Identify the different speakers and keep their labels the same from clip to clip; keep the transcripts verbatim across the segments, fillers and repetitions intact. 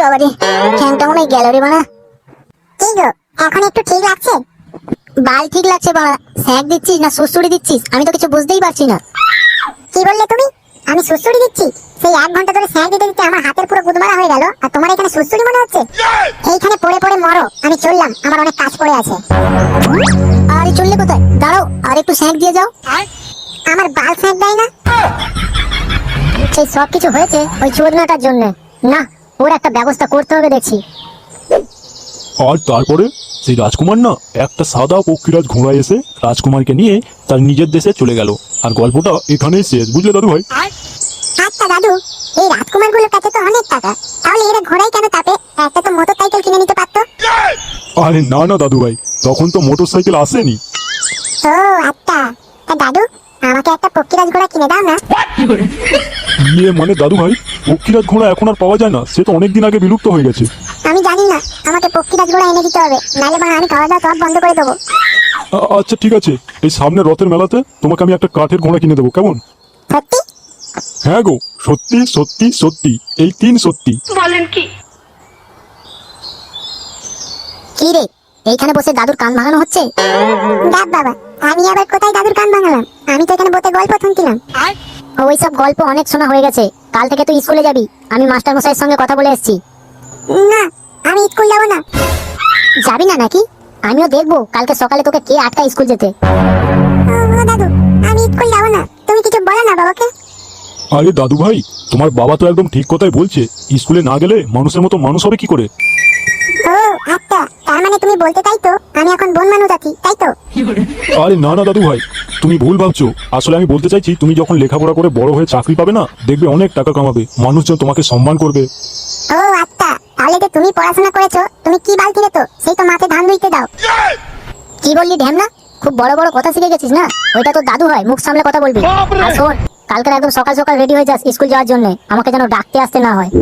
Speaker 1: বাবারে, ঠ্যাংটা মনে হয় গেল রে বানা। কি গো, এখন একটু ঠিক লাগছে? বাল ঠিক লাগছে বাবা। স্যাক দিচ্ছিস না সুসুড়ি দিচ্ছিস আমি তো কিছু বুঝতেই পারছি না। কি বললে তুমি? আমি সুসুড়ি দিচ্ছি? সেই এক ঘন্টা ধরে স্যাক দিতে দিতে আমার হাতের পুরো গুদমারা হয়ে গেল, আর তোমার এখানে সুসুড়ি মনে হচ্ছে? এইখানে পড়ে পড়ে মরো, আমি চললাম, আমার অনেক কাজ পড়ে আছে। আরে চললে কোথায়? দাঁড়াও, আর একটু স্যাক দিয়ে যাও। আমার বাল স্যাক দেয় না? সেই সব কিছু হয়েছে ওই চোদনাটার জন্য। না, ওর একটা ব্যবস্থা করতে হবে দেখছি।
Speaker 2: আর তারপরে সেই রাজকুমার না একটা সাদা পক্ষীরাজ ঘোড়ায় এসে রাজকুমারকে নিয়ে তার নিজের দেশে চলে গেল। আর গল্পটা এখানেই শেষ, বুঝলে দাদু ভাই?
Speaker 1: আচ্ছা দাদু, এই রাজকুমার গুলোর কাছে তো অনেক টাকা, তাহলে এরা ঘোড়ায় কেন তাপে? একটা তো মোটর সাইকেল কিনে নিতে পারতো।
Speaker 2: আরে না না দাদু ভাই, তখন তো মোটর সাইকেল আসেনি।
Speaker 1: ও আচ্ছা, তা দাদু আমাকে একটা পক্ষীরাজ ঘোড়া কিনে দাও না।
Speaker 2: ইয়ে মানে দাদু ভাই, পক্ষীরাজ ঘোড়া এখন আর পাওয়া যায় না, সে তো অনেকদিন আগে বিলুপ্ত হয়ে গেছে।
Speaker 1: আমি জানি না, আমাকে পক্ষীরাজ ঘোড়া এনে দিতে হবে, নাহলে মা আমি খাওয়া দাওয়া সব বন্ধ করে দেবো।
Speaker 2: আ- আচ্ছা ঠিক আছে, এই সামনে রথের মেলাতে তোমাকে আমি একটা কাঠের ঘোড়া কিনে দেবো, কেমন?
Speaker 1: সত্যি?
Speaker 2: হ্যাঁ গো, সত্যি সত্যি সত্যি, এই তিন সত্যি।
Speaker 3: বলেন কি?
Speaker 1: কি রে, এইখানে বসে দাদুর কান ভাঙানো হচ্ছে? ডাব বাবা, আমি আবার কোথায় দাদুর কান ভাঙালাম? আমি তো এখানে বসে গল্প শুনছিলাম। ওই সব গল্প অনেক শোনা হয়ে গেছে, কাল থেকে তুই স্কুলে যাবি। আমি মাস্টার মশাইয়ের সঙ্গে কথা বলে এসেছি। না, আমি স্কুল যাব না। যাবি না নাকি? আমিও দেখবো কালকে সকালে তোকে কে আটকায় স্কুল যেতে। দাদু, আমি স্কুল যাব না, তুমি কিছু বলো না বাবাকে।
Speaker 2: আরে দাদু ভাই, তোমার বাবা তো একদম ঠিক কথাই বলছে, স্কুলে না গেলে মানুষের মতো মানুষ হবে কি করে?
Speaker 1: ও আচ্ছা, তার মানে তুমি বলতে তাই তো আমি এখন বন মানুষ আছি, তাই তো?
Speaker 2: আরে না না দাদু ভাই, তুমি ভুল ভাবছো। আসলে আমি বলতে চাইছি, তুমি যখন লেখাপড়া করে বড় হয়ে চাকরি পাবে না, দেখবে অনেক টাকা কামাবে, মানুষজন তোমাকে সম্মান করবে।
Speaker 1: ও আচ্ছা, তাহলে যে তুমি পড়াশোনা করেছো, তুমি কি বাল কিনে তো সেই তো মাঠে ধান রুইতে দাও। কি বললি ঢ্যামনা? খুব বড় বড় কথা শিখে গেছিস না? ওইটা তো দাদু হয়, মুখ সামলে কথা বলবি। আর শোন, কালকে একদম সকাল সকাল রেডি হয়ে যাস স্কুল যাওয়ার জন্য, আমাকে যেন ডাকতে আসতে না হয়।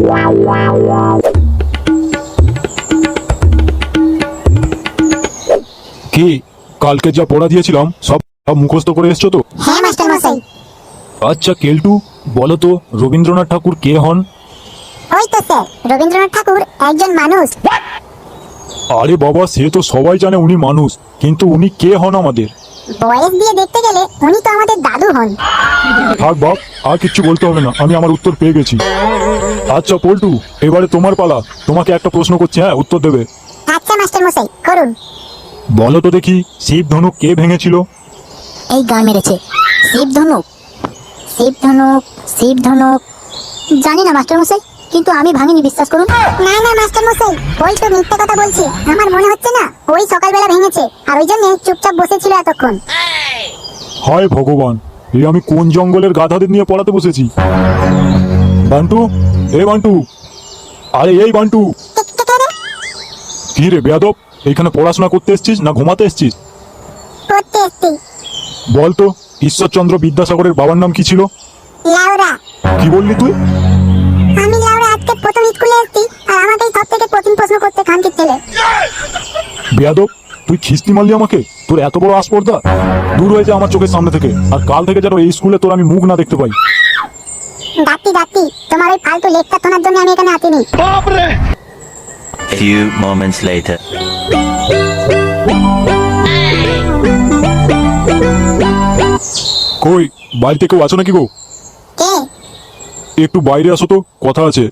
Speaker 2: কি, কালকে যা পড়া দিয়েছিলাম সব সব মুখস্থ করে এসছো তো?
Speaker 1: হ্যাঁ মাস্টার মশাই।
Speaker 2: আচ্ছা কেলটু, বলো তো রবীন্দ্রনাথ ঠাকুর কে হন?
Speaker 1: ওই তো স্যার, রবীন্দ্রনাথ ঠাকুর একজন মানুষ।
Speaker 2: আরে বাবা, সে তো সবাই জানে উনি মানুষ, কিন্তু উনি কে হন আমাদের?
Speaker 1: বয়স দিয়ে দেখতে গেলে উনি তো আমাদের দাদু হন।
Speaker 2: থাক বাপ, আর কিচ্ছু বলতে হবে না, আমি আমার উত্তর পেয়ে গেছি। আচ্ছা পল্টু, এবারে তোমার পালা, তোমাকে একটা প্রশ্ন করছি, হ্যাঁ উত্তর দেবে।
Speaker 1: আচ্ছা মাস্টার মশাই, করুন।
Speaker 2: বলো তো দেখি, শিব ধনুক কে ভেঙেছিল?
Speaker 1: এই গান মেরেছে। শিব ধনুক, শিব ধনুক, শিব ধনুক। জানি না মাস্টার মশাই, কিন্তু আমি ভাঙিনি, বিশ্বাস করুন। না না মাস্টার মশাই, ওই তো মিথ্যা কথা বলছে। আমার মনে হচ্ছে না ওই সকালবেলা ভেঙেছে, আর ওই জন্য চুপচাপ বসেছিল এতক্ষণ।
Speaker 2: হায় ভগবান, এই আমি কোন জঙ্গলের গাধাদের নিয়ে পড়াতে বসেছি? বান্টু, এ বান্টু, আরে এই বান্টু। কি রে বেয়াদব, এখানে পড়াশোনা করতে এসছিস না ঘুমাতে এসছিস?
Speaker 1: পড়তে এসছি।
Speaker 2: বল তো, ঈশ্বরচন্দ্র বিদ্যাসাগরের বাবার নাম কি ছিল?
Speaker 1: লাউরা।
Speaker 2: কি বললি তুই?
Speaker 1: আমি লাউরা আজকে প্রথম স্কুলে এসেছি, আর আমাকেই সব থেকে কঠিন প্রশ্ন করতে খানকির ছেলে।
Speaker 2: বেয়াদব, তুই খিস্তি মারলি আমাকে? তোর এত বড় আসপর্দা! দূর হয়ে যা আমার চোখের সামনে থেকে, আর কাল থেকে যেন এই স্কুলে তোর আমি মুখ না দেখতে পাই।
Speaker 1: ডাক্তি ডাক্তি, তোমার ওই ফালতু লেকচার শোনার জন্য আমি এখানে আসিনি।
Speaker 4: Few moments later.
Speaker 2: কই, বাড়িতে কেউ আছো নাকি গো?
Speaker 1: কে?
Speaker 2: একটু বাইরে আসো তো, কথা আছে।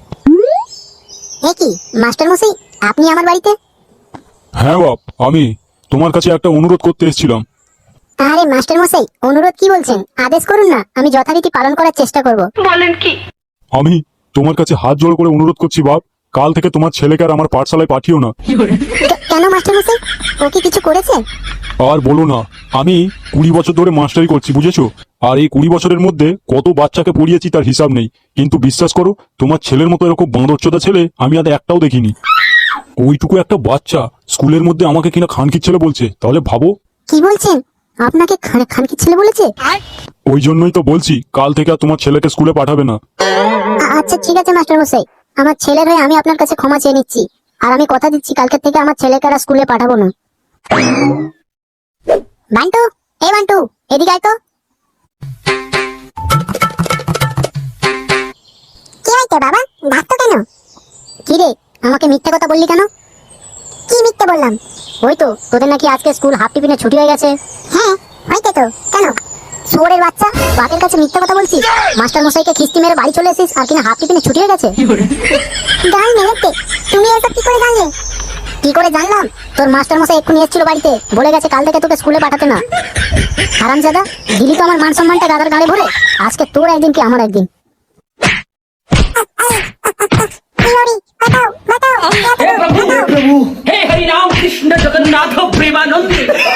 Speaker 1: এ কি মাস্টার মশাই, আপনি আমার বাড়িতে?
Speaker 2: হ্যাঁ বাপ, আমি তোমার কাছে একটা অনুরোধ করতে এসেছিলাম।
Speaker 1: আরে মাস্টার মশাই, অনুরোধ কি বলছেন? আদেশ করুন না, আমি যথারীতি পালন করার চেষ্টা করব।
Speaker 3: বলেন কি?
Speaker 2: আমি তোমার কাছে হাত জোড় করে অনুরোধ করছি বাপ, কাল থেকে তোমার ছেলেকে আর আমার পাঠশালায় পাঠিও না।
Speaker 1: কে- কেন মাস্টার মশাই, ও কি কিছু করেছে?
Speaker 2: আর বলো না, আমি কুড়ি বছর ধরে মাস্টারি করছি, বুঝেছো? আর এই কুড়ি বছরের মধ্যে কত বাচ্চাকে পড়িয়েছি তার হিসাব নেই, কিন্তু বিশ্বাস করো, তোমার ছেলের মতো এরকম বাঁদরচোদা ছেলে আমি আর একটাও দেখিনি। ওইটুকু একটা বাচ্চা স্কুলের মধ্যে আমাকে কিনা খানকির ছেলে বলছে, তাহলে ভাবো।
Speaker 1: কি বলছেন? আপনাকে খান- খানকির ছেলে বলেছে?
Speaker 2: ওই জন্যই তো বলছি, কাল থেকে আর তোমার ছেলেকে স্কুলে পাঠাবে না।
Speaker 1: আ- আচ্ছা ঠিক আছে মাস্টার মশাই, আমার ছেলের হয়ে আমি আপনার কাছে ক্ষমা চেয়ে নিচ্ছি, আর আমি কথা দিচ্ছি কালকে থেকে আমার ছেলেকে আর স্কুলে পাঠাবো না। বান্টু, এই বান্টু, এদিকে আয় তো। কি হইছে বাবা, ডাকতো কেন? কি রে, আমাকে মিথ্যে কথা বললি কেন? কি মিথ্যে বললাম? ওই তো তোদের নাকি আজকে স্কুল হাফ টিফিনে ছুটি হয়ে গেছে। হ্যাঁ হয়েছে তো, কেন? শুয়োরের বাচ্চা, বাপের কাছে মিথ্যে কথা বলছিস? মাস্টার মশাইকে খিস্তি মেরে বাড়ি চলে এসেছিস আর কিনা হাফ টিফিনে ছুটি হয়ে গেছে। গাল মেরেছে, তুমি এসব কি করে জানলে? কি করে জানলাম? তোর মাস্টার মশাই এক্ষুনি এসেছিল বাড়িতে, বলে গেছে কাল থেকে তোকে স্কুলে পাঠাতে না। হারামজাদা, দিলি তো আমার মান সম্মানটা গাদার গাড়ে ভরে। আজকে তোর একদিন কি আমার একদিন।
Speaker 3: हे प्रभु हे प्रभु हे हरि राम कृष्ण जगन्नाथ प्रेमानंद